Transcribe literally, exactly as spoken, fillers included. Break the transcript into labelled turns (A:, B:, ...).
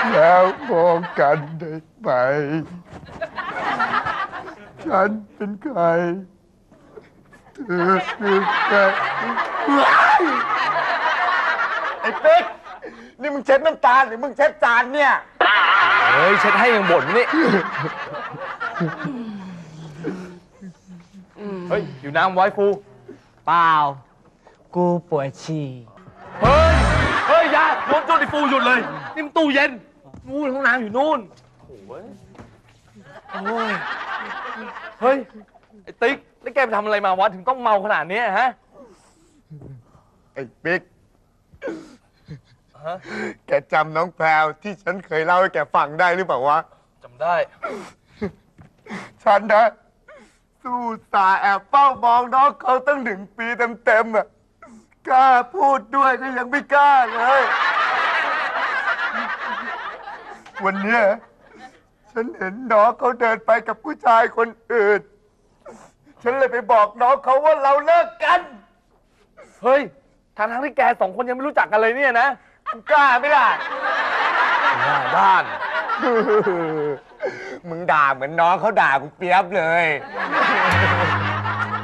A: แล้วมองกันได้ไหมฉันเป็นใครเธอคือใครไอ้ปิ๊กนี่มึงเช็ดน้ำตาหรือมึงเช็ดจานเนี่ย
B: เฮ้ยเช็ดให้ยังบ่นนี่เฮ้ยอยู่น้ำไว้ฟู
C: เปล่า กูปวดฉี่
B: เฮ้ย เฮ้ยอยาโดนจุดไอ้ฟูหยุดเลย นี่มันตู้เย็น นู่นห้องน้ำอยู่นู่นโอ้ยโอ้ย เฮ้ย ไอ้ติ๊ก แล้วแกไปทำอะไรมาวะถึงต้องเมาขนาดนี้ฮะ
A: ไอ้ปิ๊ก
B: ฮะ
A: แกจำน้องแพรวที่ฉันเคยเล่าให้แกฟังได้หรือเปล่าวะ
B: จำได้
A: ฉันนะสู้ตาแอบเฝ้ามองน้องเขาตั้งหนึ่งปีเต็มๆอ่ะกล้าพูดด้วยก็ยังไม่กล้าเลย วันเนี้ยฉันเห็นน้องเขาเดินไปกับผู้ชายคนอื่น ฉันเลยไปบอกน้องเขาว่าเราเลิกกัน
B: เฮ้ยทางทั้งที่แกสองคนยังไม่รู้จักกันเลยเนี่ยนะ
A: กูกล้าไหมล่ะ
B: หน้าด้าน
A: มึงด่าเหมือนน้องเขาด่ากูเปียบเลย